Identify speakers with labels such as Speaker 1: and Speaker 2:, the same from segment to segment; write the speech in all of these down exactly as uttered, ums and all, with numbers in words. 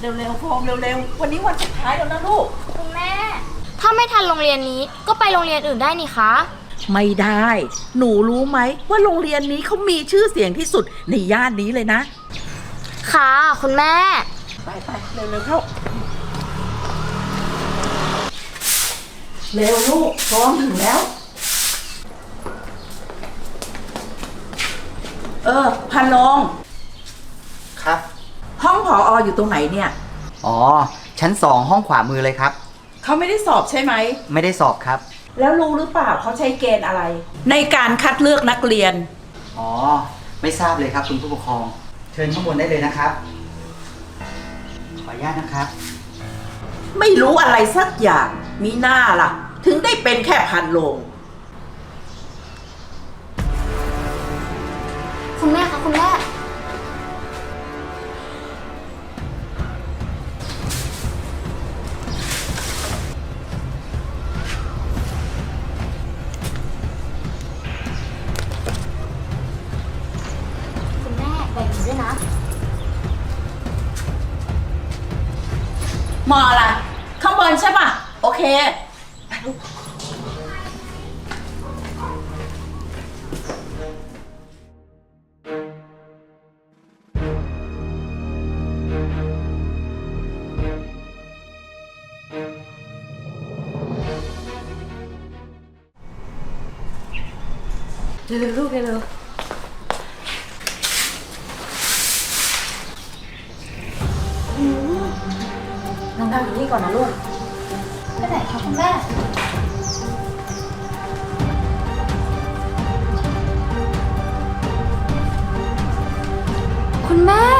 Speaker 1: เร็วๆโฟมเร็วๆวันนี้วันสุดท้ายแล้วนะลูก
Speaker 2: คุณแม่ถ้าไม่ทันโรงเรียนนี้ก็ไปโรงเรียนอื่นได้นี่คะ
Speaker 1: ไม่ได้หนูรู้ไหมว่าโรงเรียนนี้เขามีชื่อเสียงที่สุดในย่านนี้เลยนะ
Speaker 2: ค่ะคุณแม่
Speaker 1: ไปไปเร็วๆเข้าเร็วลูกพร้อมถึงแล้วเออพันลง
Speaker 3: ครับ
Speaker 1: ห้องผอออยู่ตรงไหนเนี่ย
Speaker 3: อ๋อชั้นสองห้องขวามือเลยครับ
Speaker 1: เขาไม่ได้สอบใช่ไหม
Speaker 3: ไม่ได้สอบครับ
Speaker 1: แล้วรู้หรือเปล่าเขาใช้เกณฑ์อะไร ในการคัดเลือกนักเรียน
Speaker 3: อ๋อไม่ทราบเลยครับคุณผู้ปกครองเชิญข้างบนได้เลยนะครับขออนุญาตนะครับ
Speaker 1: ไม่รู้อะไรสักอย่างมีหน้าล่ะถึงได้เป็นแค่พันโลง
Speaker 2: คุณแม่คะคุณแม่คุณแม่แบ่งหนูด้วยนะ
Speaker 1: มออะไรข้างบนใช่ป่ะโอเคเร็วๆลูกเร็วๆนั่งอยู่นี่ก่อนนะลูก
Speaker 2: ไปไหนคะคุณแม่คุณแม่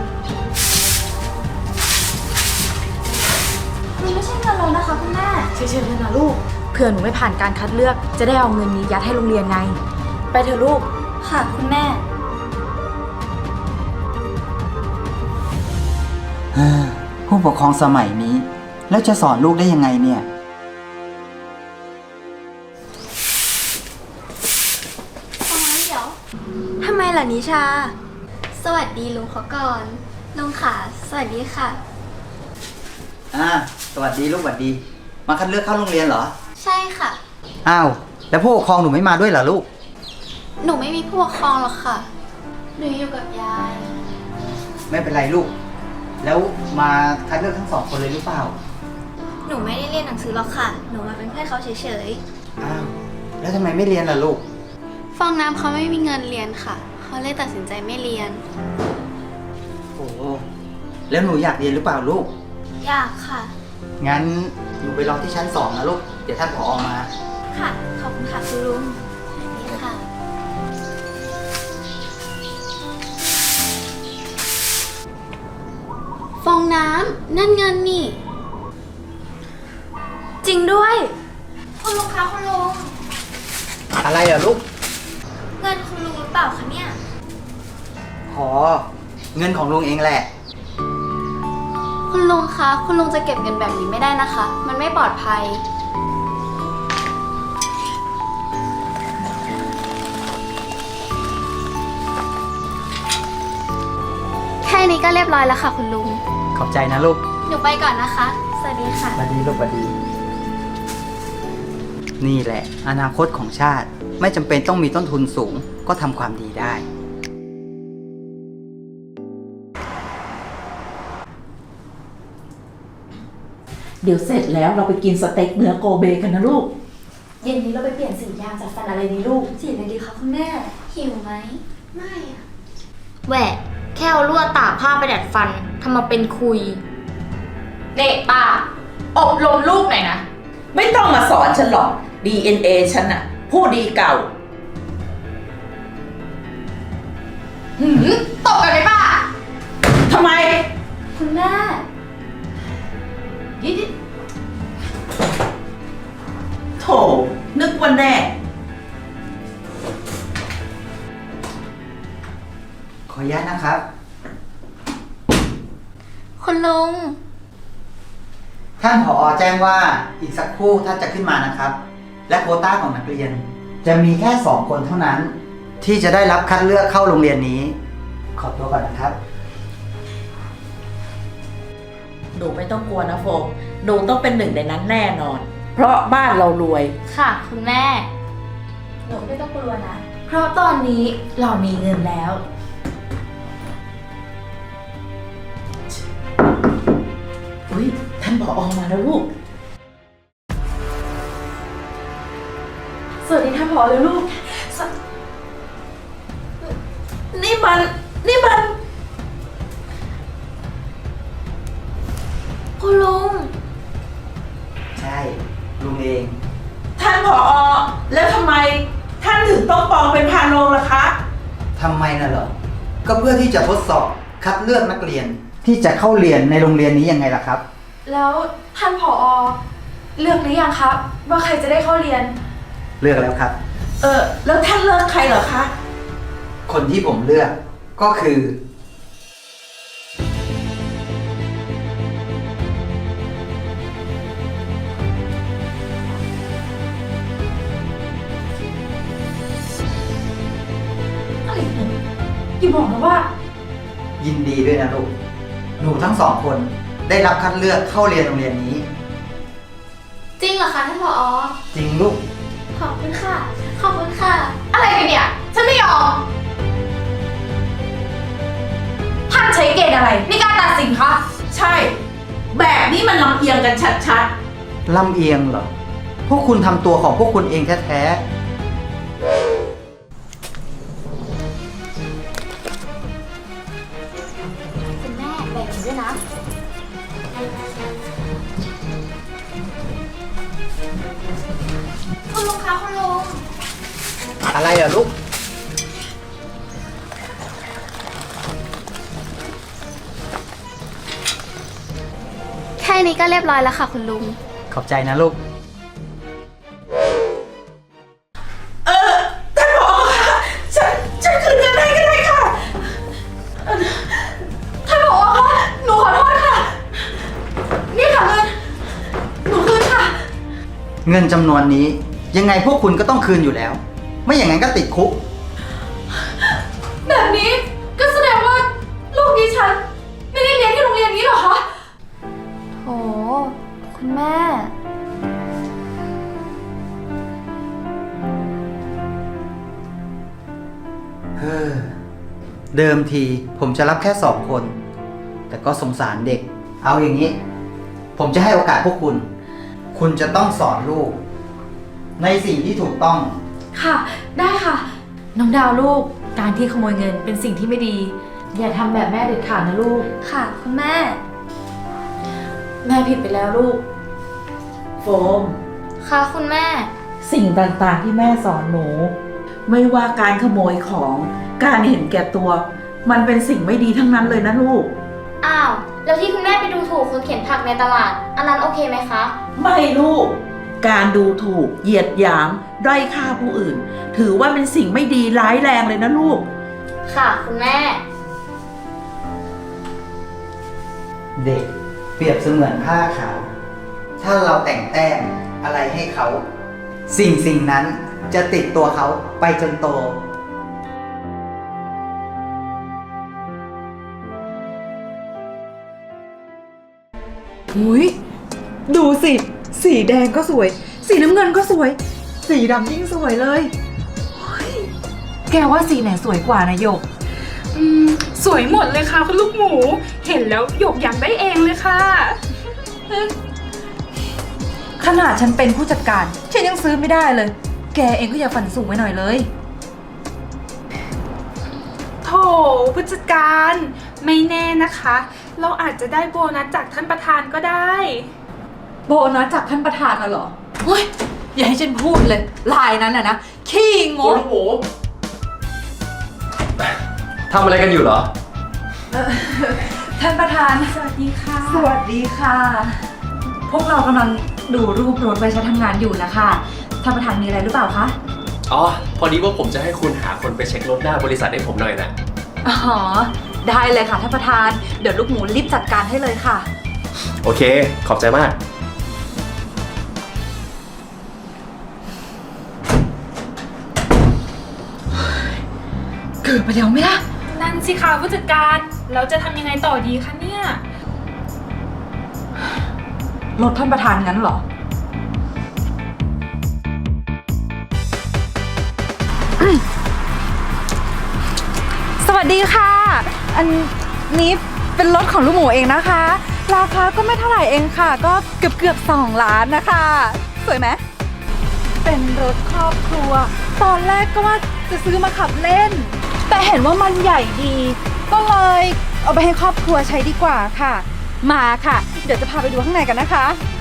Speaker 2: มันไม่ใช่เงินเรานะคะคุณแม่
Speaker 4: เฉยๆเลยนะลูกเผื่อหนูไม่ผ่านการคัดเลือกจะได้เอาเงินนี้ยัดให้โรงเรียนไงไปเถอะลูก
Speaker 2: ค่ะคุณแม่
Speaker 3: ผู้ปกครองสมัยนี้แล้วจะสอนลูกได้ยังไงเนี่ย
Speaker 2: ฟังเดี๋ยว
Speaker 4: ทำไมล่ะนิชา
Speaker 2: สวัสดีลุงเขาก่อนลุงค่ะสวัสดีค่ะ
Speaker 3: อ่าสวัสดีลูกสวัสดีมาคัดเลือกเข้าโรงเรียนเหรอ
Speaker 2: ใช่ค่ะ
Speaker 3: อ้าวแล้วผู้ปกครองหนูไม่มาด้วยเหรอลูก
Speaker 2: หนูไม่มีผู้ปกครองหรอกค่ะหนูอยู่กับยาย
Speaker 3: ไม่เป็นไรลูกแล้วมาคัดเลือกทั้งสองคนเลยหรือเปล่า
Speaker 2: หนูไม่ได้เรียนหนังสือหรอกค่ะหนูมาเป็นเพื่อนเขาเฉย
Speaker 3: ๆอ้าวแล้วทำไมไม่เรียนล่ะลูก
Speaker 2: ฟองน้ำเขาไม่มีเงินเรียนค่ะเขาเลยตัดสินใจไม่เรียน
Speaker 3: โอ้แล้วหนูอยากเรียนหรือเปล่าลูก
Speaker 2: อยากค่ะ
Speaker 3: งั้นหนูไปรอที่ชั้นสองนะลูกเดี๋ยวท่านผอมา
Speaker 2: ค่ะขอบคุณค่ะคุณลุงนี่ค่ะฟองน้ำนั่นเงินนี่
Speaker 4: จริงด้วย
Speaker 2: คุณลุงคะคุณลุง
Speaker 3: อะไรอ่ะลูก
Speaker 2: เงินคุณลุงหรือเปล่าคะเนี่ย
Speaker 3: อ๋อเงินของลุงเองแหละ
Speaker 2: คุณลุงคะคุณลุงจะเก็บเงินแบบนี้ไม่ได้นะคะมันไม่ปลอดภัยแค่นี้ก็เรียบร้อยแล้วค่ะคุณลุง
Speaker 3: ขอบใจนะลูก
Speaker 2: หนูไปก่อนนะคะสวัสดีค่ะ
Speaker 3: สวัสดีลูกสวัสดีนี่แหละอนาคตของชาติไม่จำเป็นต้องมีต้นทุนสูงก็ทำความดีได้
Speaker 1: เดี๋ยวเสร็จแล้วเราไปกินสเต็กเนื้อโกเบกันนะลูก
Speaker 4: เย็นนี้เราไปเปลี่ยนสียางจัดฟันอะไรดีลูก
Speaker 2: สีอะไรดีคะคุณแม่หิวไหมไม่อะ
Speaker 4: แหวะแค่เอาลวดตากผ้าไปดัดฟันทำมาเป็นคุยเด็กป้าอบรมลูกหน่อยนะ
Speaker 1: ไม่ต้องมาสอนฉันหรอก ดี เอ็น เอ ฉันน่ะผู้ดีเก่า
Speaker 4: หืมตบกันไหมป้า
Speaker 1: ทำไม
Speaker 2: คุณแม่
Speaker 1: ยิดโถนึกว่าแน่
Speaker 3: ขออนุญาตนะครับ
Speaker 2: คุณลุง
Speaker 3: ท่านผอ.แจ้งว่าอีกสักครู่ท่านจะขึ้นมานะครับและโควต้าของนักเรียนจะมีแค่สองคนเท่านั้น ที่จะได้รับคัดเลือกเข้าโรงเรียนนี้ขอตัวก่อนนะครับ
Speaker 1: หนูไม่ต้องกลัวนะโฟมหนูต้องเป็นหนึ่งในนั้นแน่นอน เพราะบ้านเรารวย
Speaker 4: ค่ะคุณแม่
Speaker 2: หนูไม่ต้องกลัวนะ
Speaker 4: เพราะตอนนี้เรามีเงินแล้ว
Speaker 1: อุ้ยท่านผออมาแล้วลูก
Speaker 2: สวัสดีท่านผอเลยลูก
Speaker 1: นี่มัน นี่มัน
Speaker 4: คุณลุง
Speaker 3: ใช่ ลุงเอง
Speaker 1: ท่านผออแล้วทำไม ท่านถึงต้องปลอมเป็นพานโรงล่ะคะ
Speaker 3: ทำไมน่ะเหรอ ก็เพื่อที่จะทดสอบคัดเลือกนักเรียน ที่จะเข้าเรียนในโรงเรียนนี้ยังไงล่ะครับ
Speaker 2: แล้วท่านผอเลือกหรือยังครับ ว่าใครจะได้เข้าเรียน
Speaker 3: เลือกแล้วครับ
Speaker 1: เออ แล้วท่านเลือกใครเหรอคะ
Speaker 3: คนที่ผมเลือกก็คือ
Speaker 2: อะไรเนี่ยอย่าบอกนะว่า
Speaker 3: ยินดีด้วยนะลูก หนูทั้งสองคนได้รับคัดเลือกเข้าเรียนโรงเรียนนี้
Speaker 4: จริงเหรอคะท่านผอ
Speaker 3: จริงลูก
Speaker 4: ขอบคุณค่ะ ขอบคุณค่ะ อะไรกันเนี่ย ฉันไม่ยอม ท่านใช้เกณฑ์อะไรในการตัดสินคะ
Speaker 1: ใช่ แบบนี้มันลำเอียงกันชัด
Speaker 3: ลำเอียงเหรอ พวกคุณทำตัวของพวกคุณเองแท้
Speaker 4: คุณแม่แบ่งด้วยนะ คุณลุงคะคุณลุง
Speaker 3: ๆ อะไรอ่ะลูก
Speaker 2: แค่นี้ก็เรียบร้อยแล้วค่ะคุณลุง
Speaker 3: ขอบใจนะลูก
Speaker 1: ๆ เออ ท่านผอคะฉัน ฉันคืนเงินให้ก็ได้ค่ะ
Speaker 2: ท่านผอคะหนูขอโทษค่ะ นี่ค่ะเงิน หนูคืนค่ะ
Speaker 3: เงินจำนวนนี้ยังไงพวกคุณก็ต้องคืนอยู่แล้ว ไม่อย่างนั้นก็ติดคุก
Speaker 2: แบบนี้ก็แสดงว่าลูกดิฉันไม่ได้เรียนที่โรงเรียนนี้เหรอคะโถคุณแม่
Speaker 3: เฮ้อ เดิมทีผมจะรับแค่สองคน แต่ก็สงสารเด็ก เอาอย่างนี้ ผมจะให้โอกาสพวกคุณ คุณจะต้องสอนลูก ในสิ่งที่ถูกต้อง
Speaker 2: ค่ะ ได้ค่ะ
Speaker 5: น้องดาวลูก การที่ขโมยเงินเป็นสิ่งที่ไม่ดี อย่าทำแบบแม่เด็ดขาดนะลูก
Speaker 2: ค่ะ คุณแม่
Speaker 5: แม่ผิดไปแล้วลูก
Speaker 1: โฟม
Speaker 4: ค่ะคุณแม่
Speaker 1: สิ่งต่างๆที่แม่สอนหนู ไม่ว่าการขโมยของ การเห็นแก่ตัว มันเป็นสิ่งไม่ดีทั้งนั้นเลยนะลูก
Speaker 4: อ้าว แล้วที่คุณแม่ไปดูถูกคนเข็นผักในตลาด อันนั้นโอเคไหมคะ
Speaker 1: ไม่ลูก การดูถูก เหยียดหยาม ด้อยค่าผู้อื่น ถือว่าเป็นสิ่งไม่ดีร้ายแรงเลยนะลูก
Speaker 4: ค่ะคุณแม่
Speaker 3: เด็กเปรียบเสมือนผ้าขาว ถ้าเราแต่งแต้มอะไรให้เขา สิ่งสิ่งนั้นจะติดตัวเขาไปจนโต
Speaker 5: หุยดูสิ สีแดงก็สวย สีน้ำเงินก็สวย สีดำยิ่งสวยเลยเฮ้ยแกว่าสีไหนสวยกว่านะหยก
Speaker 6: อืมสวยหมดเลยค่ะคุณลูกหมู เห็นแล้วหยกอยากได้เองเลยค่ะ
Speaker 5: ขนาดฉันเป็นผู้จัดการ ฉันยังซื้อไม่ได้เลย แกเองก็อย่าฝันสูงไว้หน่อยเลย
Speaker 6: โถผู้จัดการไม่แน่นะคะ เราอาจจะได้โบนัสจากท่านประธานก็ได้
Speaker 5: โบนัสจากท่านประธานน่ะเหรอเฮ้ย อย่าให้ฉันพูดเลย ลายนั้นน่ะนะ ขี้ง
Speaker 7: คุณ
Speaker 5: ก
Speaker 7: ลูกหมูทำอะไรกันอยู่เหรอ
Speaker 5: ท่านประธาน
Speaker 6: สวัสดีค่ะ
Speaker 5: สวัสดีค่ะ พวกเรากำลังดูรูปรถไว้ใช้ทำงานอยู่นะคะ ท่านประธานมีอะไรหรือเปล่าคะ
Speaker 7: อ๋อ พอดีว่าผมจะให้คุณหาคนไปเช็ครถหน้าบริษัทให้ผมหน่อยนะ
Speaker 5: อ๋อ ได้เลยค่ะท่านประธาน เดี๋ยวลูกหมูรีบจัดการให้เลยค่ะ
Speaker 7: โอเค ขอบใจมาก
Speaker 5: เกิดไปแล้วไหมล่ะ
Speaker 6: นั่นสิคะผู้จัดการเราจะทำยังไงต่อดีคะเนี่ย
Speaker 5: รถท่านประธานงั้นเหรอ สวัสดีค่ะ อันนี้เป็นรถของลูกหมูเองนะคะ ราคาก็ไม่เท่าไหร่เองค่ะ ก็เกือบเกือบสองล้านนะคะ สวยไหม เป็นรถครอบครัว ตอนแรกก็ว่าจะซื้อมาขับเล่น แต่เห็นว่ามันใหญ่ดี ก็เลยเอาไปให้ครอบครัวใช้ดีกว่าค่ะ มาค่ะ เดี๋ยวจะพาไปดูข้างในกันนะคะ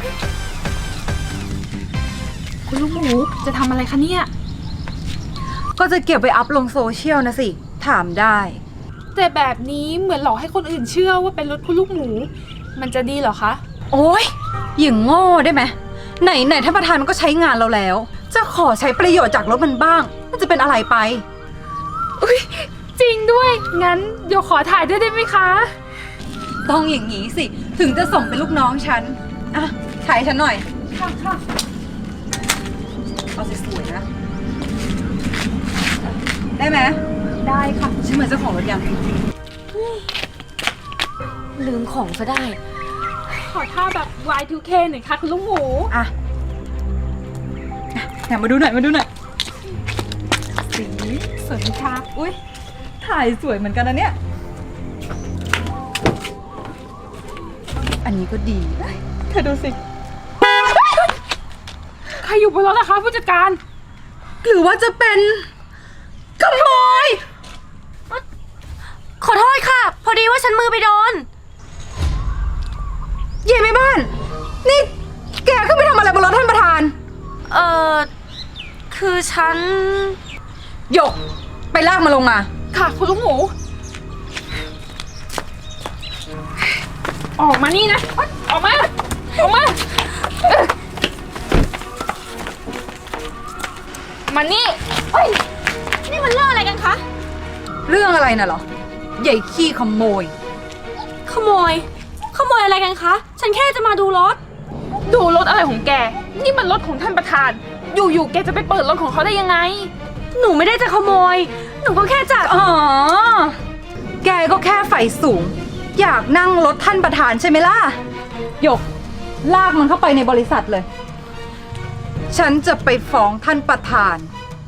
Speaker 6: คุณลูกหมูจะทำอะไรคะเนี่ย
Speaker 5: ก็จะเก็บไปอัพลงโซเชียลนะสิ ถามได้
Speaker 6: แต่แบบนี้เหมือนหลอกให้คนอื่นเชื่อว่าเป็นรถคุณลูกหมู มันจะดีเหรอคะ
Speaker 5: โอ๊ยอย่างโง่ได้ไหมไหนไหนท่านประธานมันก็ใช้งานเราแล้ว จะขอใช้ประโยชน์จากรถมันบ้าง มันจะเป็นอะไรไป
Speaker 6: จริงด้วย งั้นเดี๋ยวขอถ่ายด้วยได้ไหมคะ
Speaker 5: ต้องอย่างนี้สิ ถึงจะส่งเป็นลูกน้องฉัน อ่ะ ถ่ายฉันหน่อย
Speaker 6: ค่ะค่ะ
Speaker 5: เอาสวยๆนะ ได้ไหม
Speaker 6: ได้ค่ะ
Speaker 5: ฉันเหมือนเจ้าของรถยัง
Speaker 4: ลืมของซะได้
Speaker 6: ขอท่าแบบ วาย ทู เค หน่อยค่ะคุณลูกหมู
Speaker 5: อ่ะแถมมาดูหน่อย มาดูหน่อย
Speaker 6: สีสวยไหมคะ
Speaker 5: อุ้ยถ่ายสวยเหมือนกันนะเนี่ย อันนี้ก็ดีเอ้ยเธอดูสิ
Speaker 6: ใครอยู่บนรถนะคะผู้จัดการ
Speaker 5: หรือว่าจะเป็นขโมย
Speaker 4: ขอโทษค่ะ พอดีว่าฉันมือไปโดน
Speaker 5: เย่แม่บ้าน นี่แกขึ้นไปทำอะไรบนรถท่านประธาน
Speaker 4: เอ่อ คือฉัน
Speaker 5: หยก ไปลากมาลงมา
Speaker 6: ค่ะคุณลูกหมู ออกมานี่นะอ๊ะออกมา ออกมาเอ้ยมานี่เฮ้ย
Speaker 4: นี่มันเรื่องอะไรกันคะ
Speaker 5: เรื่องอะไรน่ะเหรอ ใหญ่ขี้ขโมย
Speaker 4: ขโมย ขโมยอะไรกันคะ ฉันแค่จะมาดูรถ
Speaker 6: ดูรถอะไรของแก นี่มันรถของท่านประธาน อยู่ๆ แกจะไปเปิดรถของเขาได้ยังไง
Speaker 4: หนูไม่ได้จะขโมย หนูก็แค่จะ
Speaker 5: อ๋อ แกก็แค่ไฟสูง อยากนั่งรถท่านประธานใช่ไหมล่ะ หยก ลากมันเข้าไปในบริษัทเลย ฉันจะไปฟ้องท่านประธาน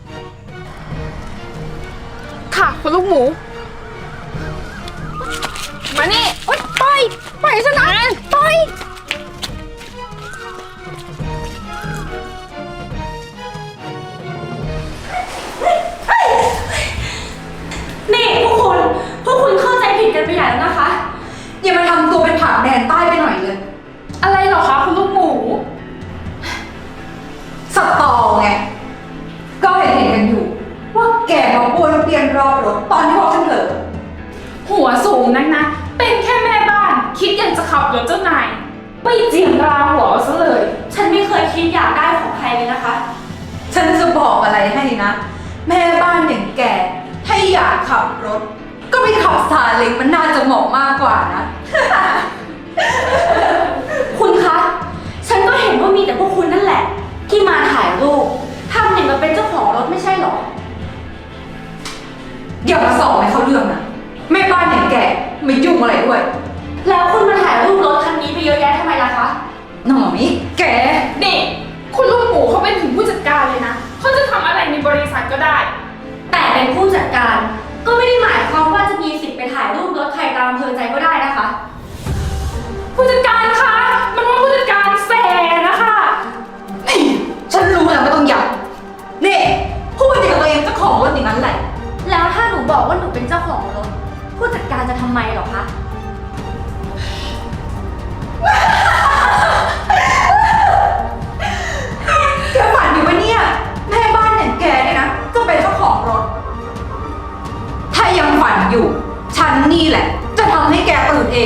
Speaker 6: ค่ะคุณลูกหมู มานี่โอ๊ยไปไปฉันนะไป
Speaker 4: นี่พวกคุณ พวกคุณเข้าใจผิดกันไปใหญ่แล้วนะคะ
Speaker 5: อย่ามาทำตัวเป็นผักแดนใต้ไปหน่อยเลย
Speaker 6: อะไรเหรอคะคุณลูกหมู
Speaker 5: สตอไง ก็เห็นเห็นกันอยู่ ว่าแกมาป้วนเปี้ยนรอบรถตอนที่พวกฉันเถอะ
Speaker 6: หัวสูงนักนะ เป็นแค่แม่บ้าน คิดอยากจะขับรถเจ้านาย ไม่เจียมราหัวเอาซะเลย
Speaker 4: ฉันไม่เคยคิดอยากได้ของใครเลยนะคะ
Speaker 5: ฉันจะบอกอะไรให้นะ แม่บ้านอย่างแก ถ้าอยากขับรถ ก็ไปขับซาเล้งมันน่าจะเหมาะมากกว่านะ
Speaker 4: คุณคะ ฉันก็เห็นว่ามีแต่พวกคุณนั่นแหละ ที่มาถ่ายรูปทำอย่างกับเป็นเจ้าของรถไม่ใช่หรอ
Speaker 5: อย่ามาสอบให้เขาเรื่องนะแม่บ้านอย่างแกไม่ยุ่งอะไรด้วย
Speaker 4: แล้วคุณมาถ่ายรูปรถคันนี้ไปเยอะแยะทำไมล่ะคะ
Speaker 5: หน่อยแก
Speaker 6: นี่ คุณลูกหมูเขาเป็นถึงผู้จัดการเลยนะ เขาจะทำอะไรในบริษัทก็ได้
Speaker 4: แต่เป็นผู้จัดการ ก็ไม่ได้หมายความว่าจะมีสิทธิ์ไปถ่ายรูปรถใครตามอำเภอใจก็ได้นะคะ
Speaker 6: ผู้จัดการคะ มันว่าผู้จัดการแสนะคะ
Speaker 5: นี่ฉันรู้แล้วไม่ต้องย้ำนี่พูดอย่างกับตัวเองเจ้าของรถอย่างนั้นแหละ
Speaker 4: แล้วถ้าหนูบอกว่าหนูเป็นเจ้าของรถ ผู้จัดการจะทำไมหรอคะ
Speaker 5: แกฝันอยู่ปะเนี่ย แม่บ้านอย่างแกเนี่ยนะจะเป็นเจ้าของรถ ถ้ายังฝันอยู่ ฉันนี่แหละ จะทำให้แกตื่นเอง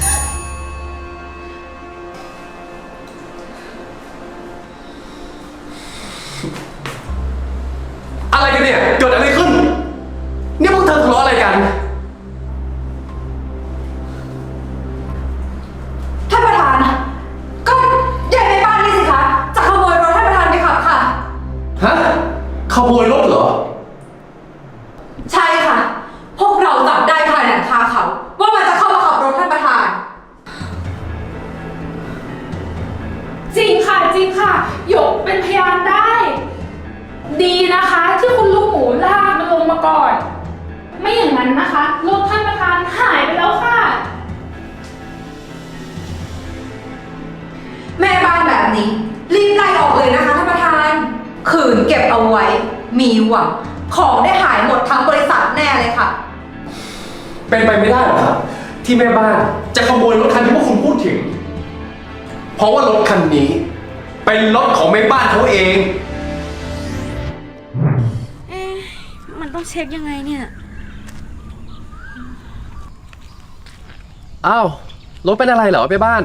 Speaker 7: อะไรกันเนี่ย เกิดอะไรขึ้น เนี่ยพวกเธอทะเลาะอะไรกัน
Speaker 5: ท่านประธาน ก็ยายแม่บ้านนี่สิคะ จะขโมยรถท่านประธานไปขับค่ะ
Speaker 7: ฮะ ขโมยรถเหรอ
Speaker 5: ใช่ค่ะ พวกเราจับได้ภายหลังคาเขา ว่ามันจะเข้ามาขับรถท่านประธาน
Speaker 6: จริงค่ะ หยกเป็นพยานได้ ดีนะคะที่คุณลูกหมูลากมันลงมาก่อน ไม่อย่างนั้นนะคะรถท่านประธานหายไปแล้วค่ะ
Speaker 5: แม่บ้านแบบนี้ รีบไล่ออกเลยนะคะท่านประธาน ขืนเก็บเอาไว้ มีหวังของได้หายหมดทั้งบริษัทแน่เลยค่ะ
Speaker 7: เป็นไปไม่ได้หรอกครับ ที่แม่บ้านจะขโมยรถคันที่พวกคุณพูดถึง เพราะว่ารถคันนี้ เป็นรถของแม่บ้านเขาเอง
Speaker 4: เอ๊ะมันต้องเช็คยังไงเนี่ย
Speaker 7: อ้าว รถเป็นอะไรเหรอแม่บ้าน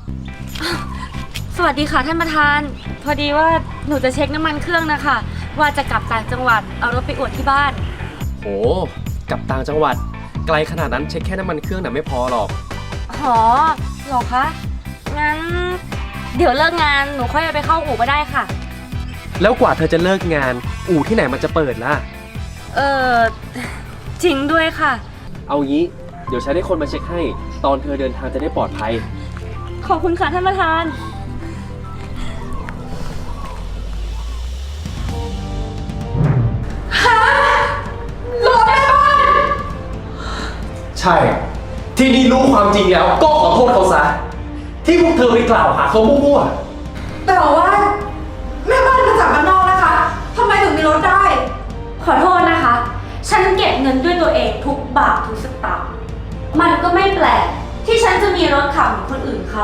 Speaker 4: สวัสดีค่ะท่านประธาน พอดีว่าหนูจะเช็คน้ำมันเครื่องนะคะ ว่าจะกลับต่างจังหวัดเอารถไปอวดที่บ้าน
Speaker 7: โหกลับต่างจังหวัด ไกลขนาดนั้นเช็คแค่น้ำมันเครื่องน่ะไม่พอหรอก
Speaker 4: หอหรอคะ งั้น เดี๋ยวเลิกงานหนูค่อยเอาไปเข้าอู่ก็ได้ค่ะ
Speaker 7: แล้วกว่าเธอจะเลิกงาน อู่ที่ไหนมันจะเปิดล่ะ
Speaker 4: เออจริงด้วยค่ะ
Speaker 7: เอางี้ เดี๋ยวฉันให้คนมาเช็คให้ ตอนเธอเดินทางจะได้ปลอดภัย
Speaker 4: ขอบคุณค่ะท่านประธาน
Speaker 7: ใช่ ที่นี่รู้ความจริงแล้วก็ขอโทษเขาซะ ที่พวกเธอไปกล่าวหาเขามั่ว
Speaker 5: แต่ว่าแม่บ้านมาจากบ้านนอกนะคะทำไมถึงมีรถได้
Speaker 4: ขอโทษนะคะ ฉันเก็บเงินด้วยตัวเองทุกบาททุกสตางค์มันก็ไม่แปลกที่ฉันจะมีรถขับเหมือนคนอื่นเขา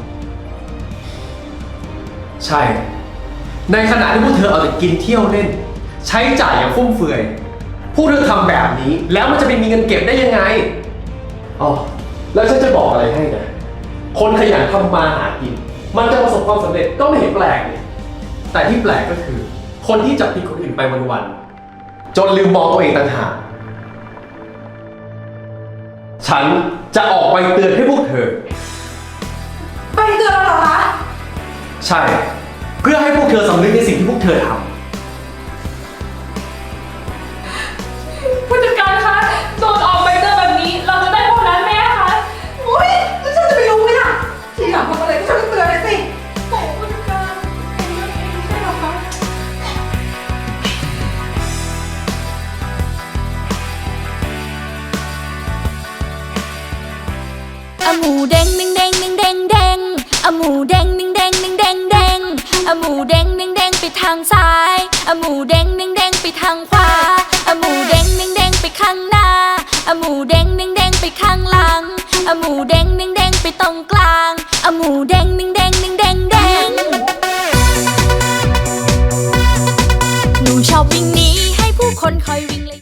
Speaker 7: ๆใช่ ในขณะที่พวกเธอเอาแต่กินเที่ยวเล่น ใช้จ่ายอย่างฟุ่มเฟือย พวกเธอทำแบบนี้แล้วมันจะไปมีเงินเก็บได้ยังไงอ๋อแล้วฉันจะบอกอะไรให้นะ คนขยันทำมาหากิน มันจะประสบความสำเร็จก็ไม่เห็นแปลกนี่แต่ที่แปลกก็คือ คนที่จับผิดคนอื่นไปวันๆจนลืมมองตัวเองต่างหากฉันจะออกไปเตือนให้พวกเธอ
Speaker 5: ไปเตือนเราเหรอคะ
Speaker 7: ใช่ เพื่อให้พวกเธอสำนึกในสิ่งที่พวกเธอทำ
Speaker 6: ผู้จัดการคะโดนออกใบเตือนแบบนี้ เราจะได้โบนัสไหมคะ
Speaker 5: อุ้ยแล้วฉันจะไปรู้ไหมล่ะ ทีหลังทำอะไรก็ช่วยเตือนหน่อยสิ
Speaker 6: แต่ผู้จัดการเป็นเรื่องเองไม่ใช่หรอคะ
Speaker 8: อะหมูเด้งหนึ่งเด้งหนึ่งเด้งเด้งอะหมูเด้งหนึ่งเด้งหนึ่งเด้งเด้งอะหมูเด้งหนึ่งเด้งไปทางซ้ายอะหมูเด้งหนึ่งเด้งไปทางขวาอะหมูเด้งหนึ่งเด้งไปข้างหน้าอะหมูเด้งหนึ่งเด้งไปข้างหลังอะหมูเด้งหนึ่งเด้งไปตรงกลางอะหมูเด้งหนึ่งเด้งหนึ่งเด้งเด้งหนูชอบวิ่งหนีให้ผู้คนคอยวิ่งเลย